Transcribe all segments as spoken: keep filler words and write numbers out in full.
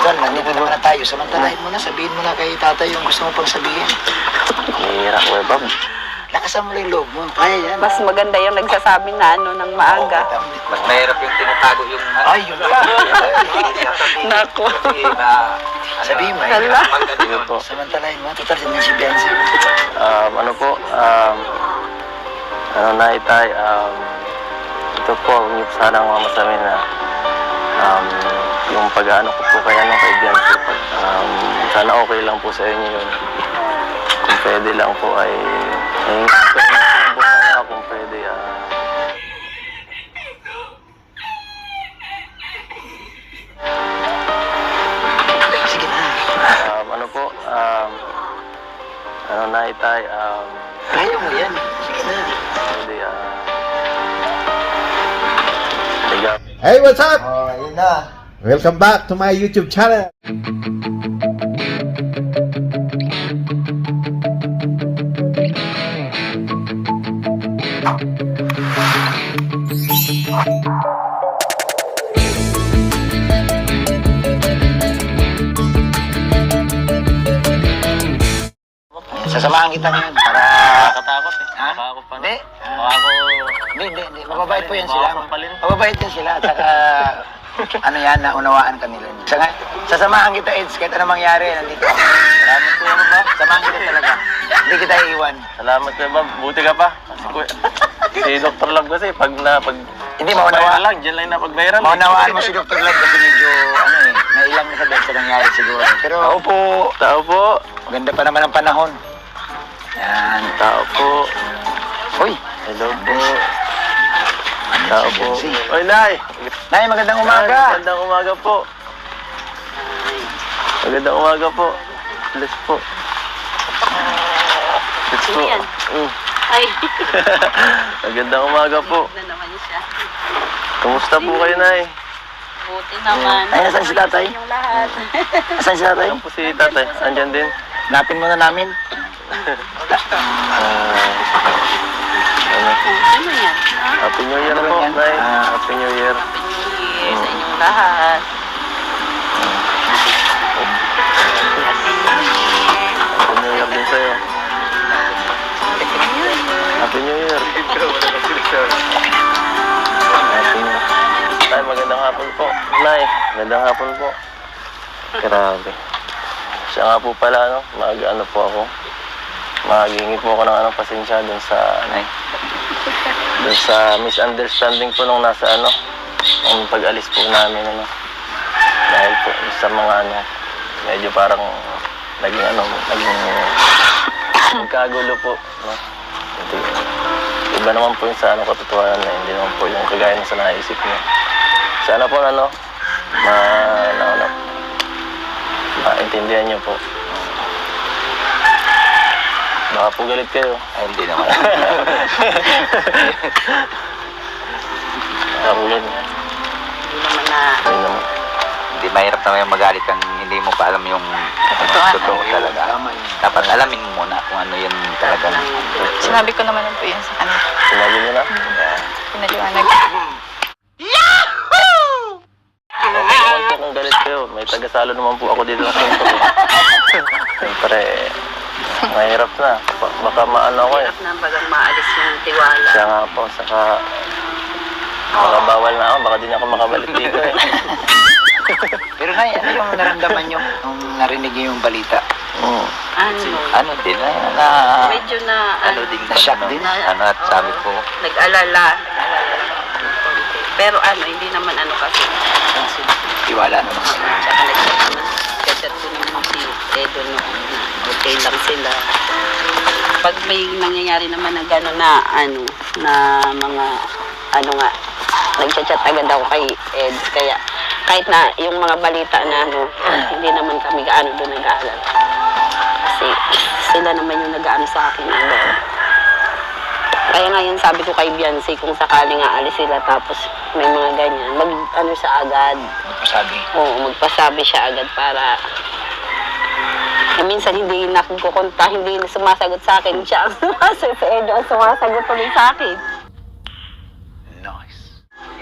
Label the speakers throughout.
Speaker 1: Total, nandito naman na tayo. Samantalahin mo na, sabihin mo na kay tatay yung gusto mo pang sabihin.
Speaker 2: Hira ko eh, Bob.
Speaker 1: Lakasan mo lang yung loob mo. Kaya yan.
Speaker 3: Mas maganda yung nagsasabi na ano ng maaga.
Speaker 4: Mas mahirap yung tinatago yung...
Speaker 1: Ay, yun pa.
Speaker 3: Nako.
Speaker 1: Sabihin mo.
Speaker 3: Hala.
Speaker 2: Ano po?
Speaker 1: Samantalahin mo. Total, din si Biancy.
Speaker 2: Um, ano po? Um, ano na itay? Um, ito po, huwag niyo po sanang mamasamin na um, yung pag-ano ko po kaya nung kaibigan ko. Um, sana okay lang po sa inyo yun. Kung pwede lang po ay... ay po sana kung pwede ah.
Speaker 1: Sige na.
Speaker 2: Um, ano po? Um, ano na itay? Um,
Speaker 1: Kaya mo yan. Sige na.
Speaker 2: pwede ah. Tiga.
Speaker 5: Hey, what's up?
Speaker 1: Oh, yun na.
Speaker 5: Welcome back to my YouTube channel.
Speaker 1: Sasamahan kita ngayon para...
Speaker 2: Nakatakot eh.
Speaker 1: Ha?
Speaker 2: Nakakot pa.
Speaker 1: Hindi.
Speaker 2: Baka ako...
Speaker 1: Hindi, hindi, hindi. Mababait po yan sila.
Speaker 2: Baka sampalin.
Speaker 1: Mababait yan sila. At saka, ano yan, naunawaan ka nila. Saka, sasamahan kita, Eds, kahit anong mangyari, nandito ako.
Speaker 2: Salamat kuya ba?
Speaker 1: Samahan kita talaga. Hindi kita iiwan.
Speaker 2: Salamat kuya ba? Buti ka pa. Kasi kuya... si Doctor Love kasi pag na... Pag,
Speaker 1: Hindi, maunawaan
Speaker 2: lang. Diyan lang na pag-viral.
Speaker 1: Maunawaan mo si Doctor Love kasi medyo, ano eh, nailang na sa dahil sa nangyari siguro. Pero,
Speaker 2: Tao po. Tao po.
Speaker 1: maganda pa naman ang panahon. Yan.
Speaker 2: Tao po.
Speaker 1: Uy,
Speaker 2: Hello po. Tao po. Oy, Nay.
Speaker 1: Nay, magandang
Speaker 2: Nay,
Speaker 1: umaga.
Speaker 2: Magandang umaga po. Magandang umaga po. Bless po. Bless po.
Speaker 3: Sino yan?
Speaker 2: Mm.
Speaker 3: Ay.
Speaker 2: Magandang umaga po.
Speaker 3: Na naman siya.
Speaker 2: Kumusta po kayo, Nay?
Speaker 3: Buti naman.
Speaker 1: Ay, nasaan si tatay?
Speaker 3: Yung lahat.
Speaker 1: Asan si tatay?
Speaker 2: Ayan po si tatay. Andyan din.
Speaker 1: Napin muna namin.
Speaker 2: Ah, ano?
Speaker 3: Ano yan? Ah,
Speaker 2: Happy New Year po,
Speaker 1: Yan.
Speaker 2: Nay.
Speaker 1: Ah.
Speaker 2: Happy New Year.
Speaker 3: Happy New Year sa inyong lahat.
Speaker 2: Happy New Year din sa'yo. Happy New Year. Happy New Year. Tay, magandang hapon po. Nay, magandang hapon po. Grabe. Siya nga po pala, ano, mag-ano po ako. Maghingi po ako ng ano, pasensya dun sa, ano, dun sa misunderstanding po nung nasa, ano, ang pag-alis po namin, ano. Dahil po sa mga, ano, medyo parang naging, ano, naging nagkagulo po, no. Hindi, iba naman po yung sa, ano, katotohanan na hindi naman po yung kagaya ng sa naisip niya. Sana po, ano, ma, ano, ano, maintindihan niyo po. Baka po galit kayo.
Speaker 4: Ay, hindi naman.
Speaker 2: Baka po galit.
Speaker 3: Hindi naman na...
Speaker 2: Hindi naman.
Speaker 4: Hindi mahirap naman yung magalit kang hindi mo pa alam yung
Speaker 3: Katotohanan.
Speaker 4: totoo talaga. Dapat alamin mo muna kung ano yun talagang...
Speaker 6: Sinabi ko naman po yun sa kanila.
Speaker 2: Sinabi niyo na?
Speaker 6: Pinaliwanag.
Speaker 2: Okay naman po kung galit kayo. May tagasalo naman po ako dito ng kwento ko. Siyempre, mahirap na. Ba- Baka maano ako eh.
Speaker 3: Hirap na bagang maalis yung tiwala.
Speaker 2: Siya nga po, saka... Baka bawal na ako, baka di na ako makabalik dito eh.
Speaker 1: Pero Nay, ano yung naramdaman nyo nung narinig nyo yung balita?
Speaker 2: Mm.
Speaker 3: Ano?
Speaker 4: Ano din, na, na
Speaker 3: Medyo na...
Speaker 4: ano din,
Speaker 1: Na-shock
Speaker 4: ano,
Speaker 1: din.
Speaker 4: ano, at sabi ko,
Speaker 3: Nag-alala. Nag-alala. Pero ano, hindi naman ano kasi.
Speaker 1: Tiwala naman sila.
Speaker 3: Tsaka nag-chat naman. Chat ko naman si Edo noon na okay lang sila. Pag may nangyayari naman na gano'n na ano, na mga ano nga, nag-chat agad ako kay Ed. Kaya kahit na yung mga balita na ano, hindi naman kami gaano doon nag-aalala. Kasi sila naman yung nag-aano sa akin. Ano. Kaya ngayon sabi ko kay Biancy, kung sakaling aalis sila tapos may mga ganyan, mag ano siya agad.
Speaker 1: Sabi.
Speaker 3: Oo, magpasabi siya agad para eh, minsan hindi na kukunta, hindi na sumasagot sa akin. Siya ang sumasagot, si Edo ang sumasagot ulit sa akin.
Speaker 1: Nice.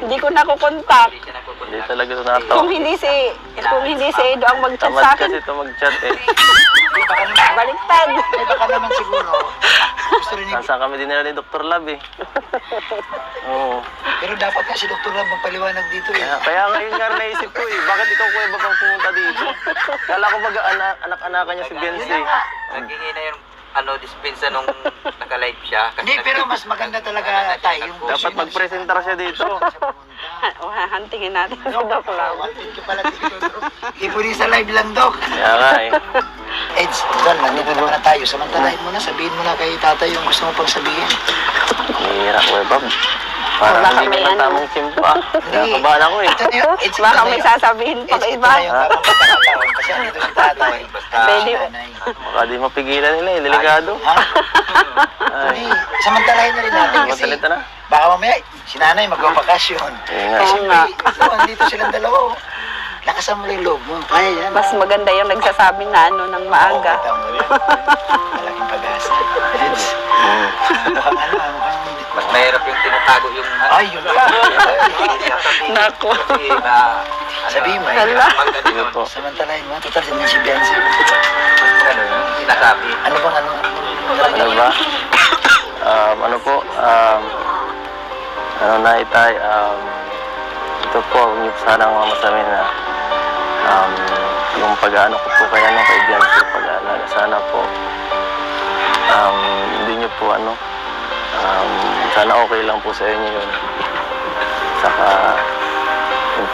Speaker 3: Hindi ko nakukontak.
Speaker 4: Hindi siya nagpupunta.
Speaker 2: Hindi talaga ito natawa.
Speaker 3: Kung hindi si, kung hindi si Edo ang mag-chat
Speaker 2: Tamad
Speaker 3: sa akin,
Speaker 2: kasi ito mag-chat eh.
Speaker 1: Di baka naman,
Speaker 3: baliktad.
Speaker 1: di baka naman siguro. Gusto rin ni...
Speaker 2: Nasaan kami din nila ni Doctor Lab eh. Oo.
Speaker 1: Pero dapat nga si Doktor Ram magpaliwanag dito eh.
Speaker 2: Kaya, kaya ngayon nga naisip ko eh, bakit ikaw kuya ba kang pumunta dito? Kala ko mag-anak, anak-anakan niya si Benzi.
Speaker 4: Naghingi na yung ano, dispensa nung naka-live siya. Kasi
Speaker 1: Hindi, pero mas maganda talaga tayo. Yung
Speaker 2: Dapat mag-presentar siya dito.
Speaker 3: O, hantingin natin si Doc Lam.
Speaker 1: Wanted ka pala dito, Dok. Hindi po rin sa live lang, Dok.
Speaker 2: Kaya nga eh.
Speaker 1: Eds, Don, nandito naman na tayo. Samantalahin mo na, sabihin mo na kay tatay yung gusto mo pang sabihin.
Speaker 2: Hihira kuya Bob. Parang
Speaker 3: Baka
Speaker 2: hindi
Speaker 3: may
Speaker 2: ka
Speaker 3: ano.
Speaker 2: tamang simpo ah. Nakabahan ako eh.
Speaker 1: Ito na yun, Eds, ito
Speaker 3: Baka
Speaker 1: na
Speaker 3: may
Speaker 1: yun.
Speaker 3: sasabihin pa
Speaker 1: Eds, ito
Speaker 3: iba.
Speaker 1: na yung tamang pagkakataon. Kasi andito si tatay.
Speaker 4: basta
Speaker 3: Pwede.
Speaker 1: Nanay.
Speaker 2: Baka di mapigilan nila eh, delikado.
Speaker 1: Ha?
Speaker 2: Ay,
Speaker 1: Hindi, samantalahin na rin natin kasi
Speaker 2: matalita na.
Speaker 1: baka mamaya si nanay magpapakasyon.
Speaker 2: Oo nga.
Speaker 3: Oo nga.
Speaker 1: Ito, andito silang dalawa. Lakasan mo lang yung loob mo. Kaya yan.
Speaker 3: Mas maganda yung nagsasabi na ano ng maaga.
Speaker 1: Oo, tama rin. Malaking pag-asa. Eds,
Speaker 2: Mm.
Speaker 1: mukhang ano, ah, mukhang...
Speaker 4: mas mahirap yung tinatago yung...
Speaker 1: Ay, yun.
Speaker 3: Nako.
Speaker 4: Kasi na...
Speaker 1: Sabihin mo eh.
Speaker 3: Hala.
Speaker 2: Sige po.
Speaker 1: Samantalahin mo, total din si Biancy.
Speaker 4: Ano yung sinasabi.
Speaker 1: Ano bang ano?
Speaker 2: Ano ba? Um, ano po? Um, ano na itay? Um, ito po, huwag niyo po sanang mamasamin na um, yung pag-ano ko po kaya ng kaibigan ko pag-aalaga. Sana po um, hindi niyo po ano um, sana okay lang po sa inyo yun. Saka kung,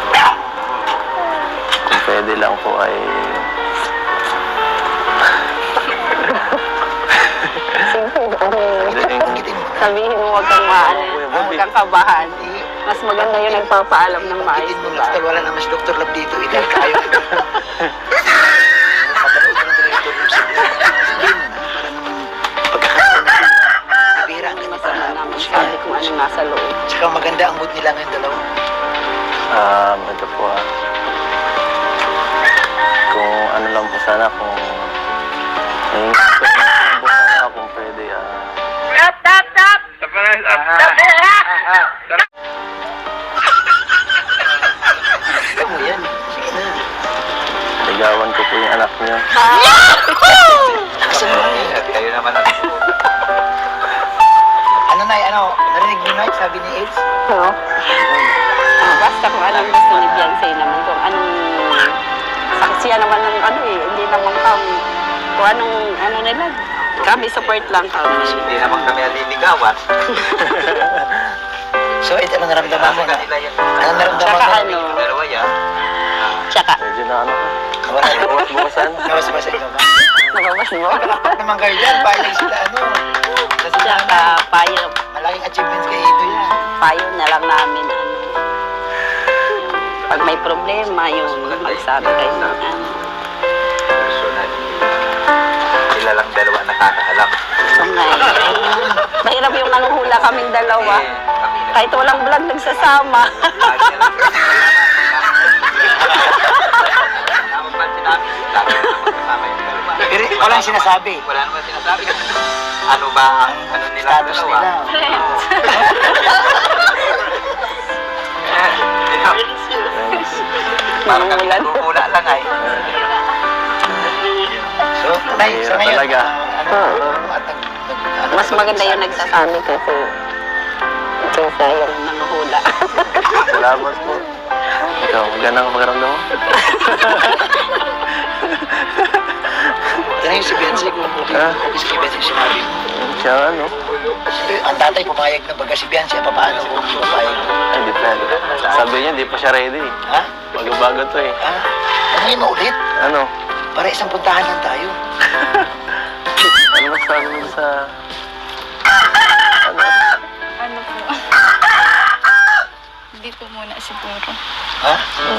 Speaker 2: kung pwede lang po ay
Speaker 1: Banggitin mo.
Speaker 3: Sabihin mo huwag kang maano, huwag kang kabahan.
Speaker 1: Eh,
Speaker 3: Mas maganda yung nagpapaalam ng maayos,
Speaker 1: Banggitin mo
Speaker 3: diba?
Speaker 1: lang. Total, wala naman si Doktor Lab dito. Ikaw kayo. Kapanood mo ng Director Lab sa sabihin mo na. Para naman pagkakataon na yun. Bibira ang ganito.
Speaker 3: Masama naman sabi kung ano nasa loob.
Speaker 1: Tsaka maganda ang mood nila ngayon dalawa.
Speaker 2: Um, ito po ah. Kung ano lang po sana, kung ay, kung po sana kung pwede ah.
Speaker 1: Ikaw mo yan. Sige na.
Speaker 2: Ligawan ko po yung anak niyo.
Speaker 1: Lakasan mo lang eh.
Speaker 4: Kayo naman ang...
Speaker 1: Ano na ano? Narinig mo na sabi ni Eds?
Speaker 3: No? Ah, basta kung anong gusto ni Beyonce naman, kung anong saksiya naman ng ano eh, hindi naman kami, kung anong ano nila, kami support lang kami.
Speaker 4: Hindi naman kami aliligawan.
Speaker 1: So, Eds, ano naramdaman mo
Speaker 4: Nasa
Speaker 1: na?
Speaker 4: kanila yan.
Speaker 1: Ano naramdaman
Speaker 3: Tsaka
Speaker 1: mo?
Speaker 3: ano,
Speaker 4: Yung dalawa yan.
Speaker 3: tsaka,
Speaker 2: Medyo na ano.
Speaker 1: Wala na.
Speaker 2: Bukas-bukasan.
Speaker 1: Nawas ba sa inyo ba?
Speaker 3: nababas mo?
Speaker 1: Dapat naman kayo dyan. Payag sila ano. Kasi
Speaker 3: Tsaka, payo,
Speaker 1: malaking achievements kay Ito yan.
Speaker 3: payo na lang namin, ano, pag may problema, yung magsabi kayo ng ano.
Speaker 4: Personal. Sila lang dalawa nakakaalam.
Speaker 3: So, ngayon, mahirap yung nanguhula kaming dalawa.
Speaker 4: Eh, kami na.
Speaker 3: Kahit walang vlog, nagsasama.
Speaker 4: Lagi na lang sila kasama. Napapansin namin, lagi na lang kasama yung dalawa.
Speaker 1: Pero walang sinasabi.
Speaker 4: Wala naman sinasabi. Ano ba ang ano nila
Speaker 1: Status
Speaker 4: dalawa?
Speaker 1: nila.
Speaker 4: Parang kami
Speaker 3: Nangungulan.
Speaker 4: nagugula lang ay.
Speaker 1: So, Nay, sa
Speaker 2: Mahirap
Speaker 1: ngayon,
Speaker 2: talaga.
Speaker 1: ah, ano, at nag, nag, ano,
Speaker 3: Mas maganda yung nagsasabi kasi kaysa yung nanguhula.
Speaker 2: Salamat po. Ikaw, magandang pakiramdam mo.
Speaker 1: Ito na yung si Benzi, kung okay,
Speaker 2: Ah.
Speaker 1: okay si Benzi yung sinabi mo.
Speaker 2: Siya ano?
Speaker 1: Eh, Ang tatay pumayag na baga si Benzi, papaano kung pumayag?
Speaker 2: Ay, depende. Sabi niya, di pa siya ready.
Speaker 1: Ha?
Speaker 2: Bago-bago to eh.
Speaker 1: Ha? Ano yun ulit?
Speaker 2: Ano?
Speaker 1: Para isang puntahan lang tayo.
Speaker 2: Ano ba sabi mo sa... Ano?
Speaker 6: Ano po? Dito muna siguro.
Speaker 1: Ha?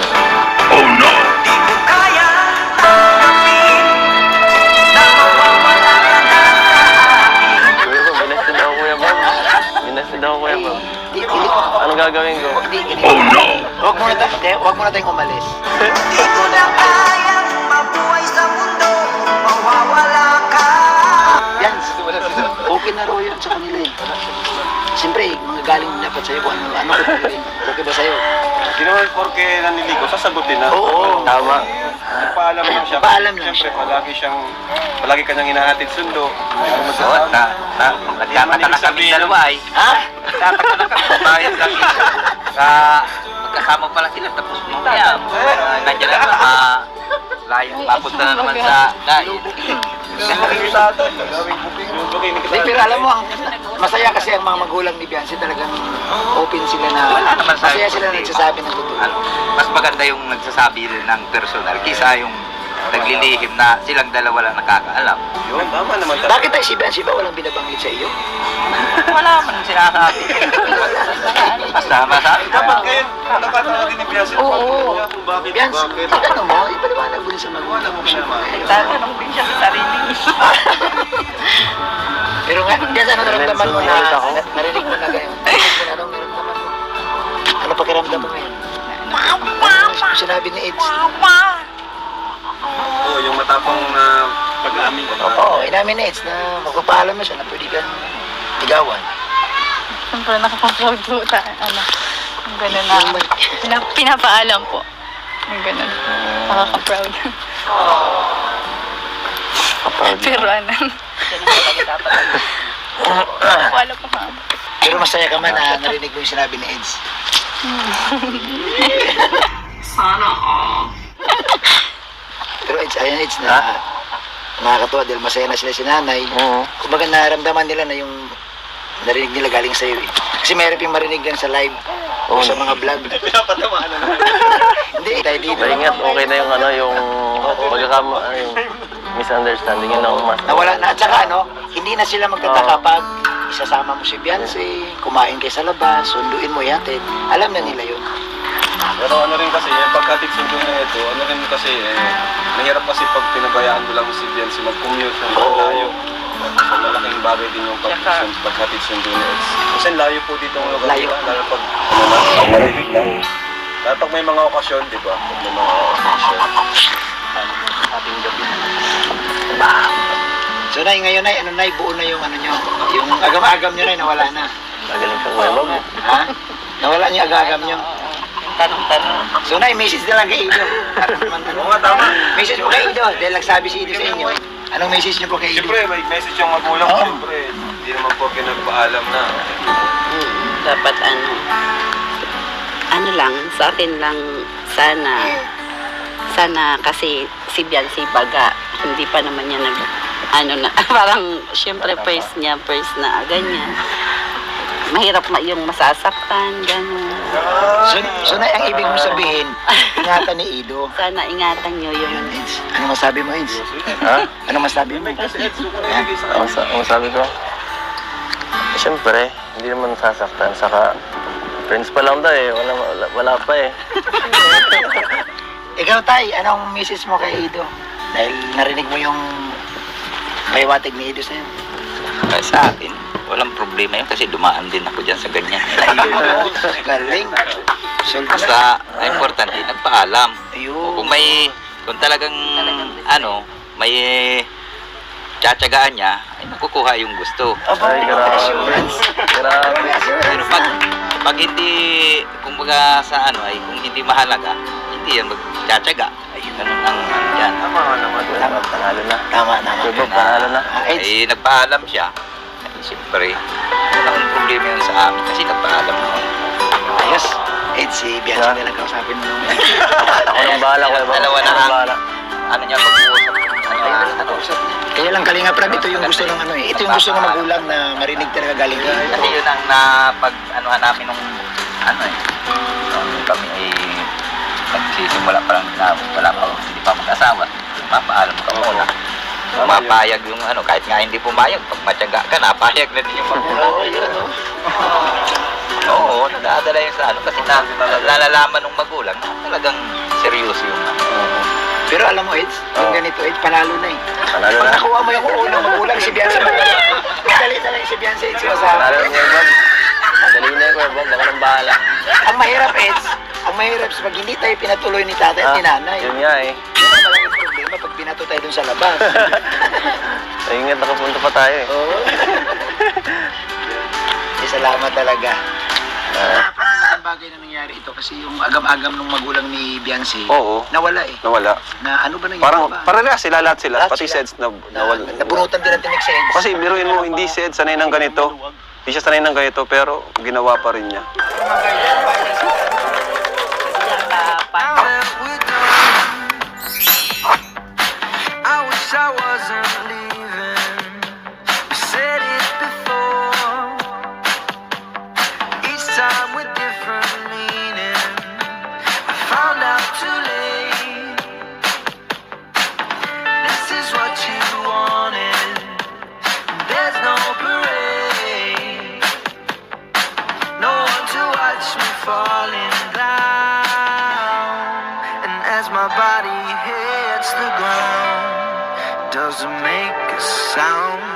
Speaker 2: Kuya Bob, binasted ako Kuya Bob. Binasted ako Kuya Bob.
Speaker 1: Di, hindi ko.
Speaker 2: Anong gagawin ko?
Speaker 1: Di, hindi. Oh no! Huwag muna tayo, hindi, huwag muna tayong umalis. Huwag muna tayong mabuhay sa mundo, mawawala ka. Yan, okay na raw yun sa kanila eh. siyempre, mga galing dapat sa'yo kung ano, ano ko rin. Okay ba sa'yo?
Speaker 7: Hindi naman porke naniligo, sasagutin na.
Speaker 1: Oo.
Speaker 2: Tama.
Speaker 7: Nagpaalam lang siya.
Speaker 1: Nagpaalam lang
Speaker 7: Siyempre,
Speaker 1: siya.
Speaker 7: palagi siyang, palagi kanyang hinahatid sundo. Hindi mo
Speaker 4: Oo,
Speaker 7: masasabi.
Speaker 4: na, na, nagkakata na kami dalawa ay.
Speaker 1: Ha?
Speaker 4: Nagkakata na kami, bayad lang isa. Sa, magkasama pala sila, tapos mamaya, nandiyan na naman, ah, layo, papunta na naman sa dahil.
Speaker 1: Hindi, pero alam mo, ang masaya kasi ang mga magulang ni Biancy talagang open sila na,
Speaker 4: Wala naman sa-
Speaker 1: masaya sila na nagsasabi ng totoo.
Speaker 4: Ano, mas maganda yung nagsasabi ng personal kisa yung naglilihim na silang dalawa lang nakakaalam.
Speaker 7: Yun, tama naman talaga.
Speaker 1: Bakit tayo si Biancy ba walang binabanggit sa iyo?
Speaker 4: Wala man sinasabi. Basta masabi
Speaker 7: Dapat kayo, nakatawa din ni Biancy.
Speaker 1: Oo.
Speaker 7: Kung bakit,
Speaker 1: Biancy,
Speaker 7: bakit.
Speaker 1: ano mo, ipaliwanag mo rin sa magulang mo siya.
Speaker 3: Nagtatanong din siya sa sarili niya.
Speaker 1: Pero nga, Biancy, ano naramdaman mo na,
Speaker 2: Ulit ako.
Speaker 1: na- narinig mo na ganyan? Narinig mo na anong naramdaman mo? Ano pakiramdam mo ngayon? Ano sinabi ni Eds?
Speaker 7: Oo, yung matapang na pag-aamin ko.
Speaker 1: Oo, inamin ni Eds na magpapaalam mo siya na pwede kang ligawan.
Speaker 6: Siyempre, nakaka-proud po tayo. Ano, yung gano'n na. Pina- pinapaalam po. Yung gano'n. Nakaka-proud. Pero ano, wala pa nga.
Speaker 1: Pero masaya ka man na narinig mo yung sinabi ni Eds. Pero Eds, ayun Eds na nakakatuwa dahil masaya na sila si nanay.
Speaker 2: Oo.
Speaker 1: Kumbaga naramdaman nila na yung narinig nila galing sa'yo eh. Kasi mayroon yung marinig lang sa live o sa mga vlog.
Speaker 7: Pinapatamaan na naman.
Speaker 1: Hindi, tayo dito.
Speaker 2: Maingat, okay na yung ano, yung pagkakama, ano, yung misunderstanding yun ang mas.
Speaker 1: Nawala na. At saka ano, hindi na sila magtataka pag isasama mo si Beyonce, kumain kayo sa labas, sunduin mo yatid. Alam na nila yun.
Speaker 7: Pero ano rin kasi, yung pagkatid sundo na ito, ano rin kasi, eh, mahirap kasi pag pinabayaan mo lang si Biancy mag-commute ng layo. So, malaking bagay din yung pag pagkatid sundo na ito. Kasi layo po dito ang lugar
Speaker 1: Layo.
Speaker 7: nila, lalo pag, ano na, pag marinig lang. Lalo pag may mga okasyon, di ba? Pag may mga okasyon.
Speaker 2: Ating gabi.
Speaker 1: So nay, ngayon nay, ano nay, buo na yung ano nyo, yung agam-agam nyo nay, nawala na.
Speaker 2: Magaling kang webab.
Speaker 1: Ha? Nawala niyo agam-agam nyo.
Speaker 3: Yung tanong-tanong.
Speaker 1: So nay, message na lang kay Ido. Para naman tanong.
Speaker 7: Oo nga, tama.
Speaker 1: Message mo kay Ido, dahil nagsabi si Ido sa inyo. Anong message niyo po kay Ido?
Speaker 7: Siyempre, may message yung magulang,
Speaker 1: Oo.
Speaker 7: siyempre. Hindi naman po pinagpaalam na.
Speaker 3: Mm, dapat ano, ano lang, sa akin lang, sana, sana kasi si Biancy baga, hindi pa naman niya nag, ano na, parang, syempre, first niya, first na, ganyan. Mahirap ma yung masasaktan, gano'n.
Speaker 1: So, so nay, ang ibig mo sabihin, ingatan ni Ido.
Speaker 3: Sana ingatan nyo yung
Speaker 1: Ayun, Eds. Ano masabi mo, Eds?
Speaker 2: Ha?
Speaker 1: Ano masabi mo?
Speaker 2: Ang, sa, ang sabi ko, siyempre, hindi naman sasaktan. Saka, friends pa lang daw eh. Wala, wala, wala pa eh.
Speaker 1: Ikaw, Tay, anong message mo kay Ido? Dahil narinig mo yung pahiwatig ni Ido sa'yo.
Speaker 4: Kaya sa akin, walang problema yun kasi dumaan din ako dyan sa ganyan.
Speaker 1: Galing. So,
Speaker 4: Basta, ang importante, nagpaalam.
Speaker 1: ayun.
Speaker 4: Kung may, kung talagang, ano, may tsatsagaan niya, ay makukuha yung gusto.
Speaker 2: Ay, grabe. Grabe.
Speaker 4: Pero pag, pag hindi, kumbaga sa ano, ay kung hindi mahalaga, hindi yan magtsatsaga. Ay, ganun ang ano yan.
Speaker 7: Tama nga naman.
Speaker 2: Tama, panalo na.
Speaker 1: Tama, tama.
Speaker 2: Webab, panalo na.
Speaker 1: Ah, Eds,
Speaker 4: Ay, nagpaalam siya. Ay, siyempre, walang problema yun sa amin kasi nagpaalam naman.
Speaker 1: ayos. Eds, si Bianchi na lang kausapin mo.
Speaker 2: Ako nang bahala, Webab.
Speaker 4: Dalawa na
Speaker 2: Ako nang
Speaker 4: ang-
Speaker 2: bahala.
Speaker 4: Ano niya, mag-uusap. Ano, ano,
Speaker 1: Kaya lang Kalinga Prab, ito yung gusto ng ano eh. Ito yung gusto ng magulang na marinig talaga galing ka.
Speaker 4: Kasi yun ang napag anuhan namin nung ano eh. Nung kami ay nagsisimula pa lang na wala pa hindi pa mag-asawa. Mapaalam ka muna. Mapayag yung ano, kahit nga hindi pumayag, pag matyaga ka, napayag na din yung magulang.
Speaker 1: Oo, yun, no?
Speaker 4: Oo, nadadala yun sa ano, kasi na, nalalaman ng magulang na talagang seryoso yung ano.
Speaker 1: Pero alam mo, Eds, yung ganito, Eds, panalo na eh.
Speaker 2: Panalo
Speaker 1: Pag
Speaker 2: na.
Speaker 1: nakuha mo yung unang magulang, si Bianchi madali. Madali talaga si Bianchi, Eds, yung
Speaker 2: Panalo
Speaker 1: asawa.
Speaker 2: na, Webab. Dali na yung Webab. Ako nang bahala.
Speaker 1: Ang mahirap, Eds, ang mahirap sa pag hindi tayo pinatuloy ni tatay at ni nanay.
Speaker 2: Yun nga eh.
Speaker 1: Yun ang malaking problema pag binato tayo dun sa labas.
Speaker 2: Ay, ingat, nakapunta pa tayo eh.
Speaker 1: Oo. Eh, salamat talaga.
Speaker 2: Ah,
Speaker 1: Ang bagay na nangyari ito kasi yung agam-agam ng magulang ni Biancy,
Speaker 2: oo,
Speaker 1: nawala eh.
Speaker 2: nawala.
Speaker 1: Na ano ba nangyari
Speaker 2: Parang,
Speaker 1: ba?
Speaker 2: parehas sila, lahat sila,
Speaker 1: Lahat
Speaker 2: pati
Speaker 1: sila.
Speaker 2: Seds na,
Speaker 1: na,
Speaker 2: nawala.
Speaker 1: nabunutan din ang tinik sa Eds.
Speaker 2: Kasi biruin mo, hindi si Ed sanay ng ganito. Hindi siya sanay ng ganito, pero ginawa pa rin niya.
Speaker 8: I wish I wasn't leaving. We said it before. Each time with different meaning. I found out too late. This is what you wanted. There's no parade. No one to watch me falling down. And as my body hits the ground, doesn't make a sound.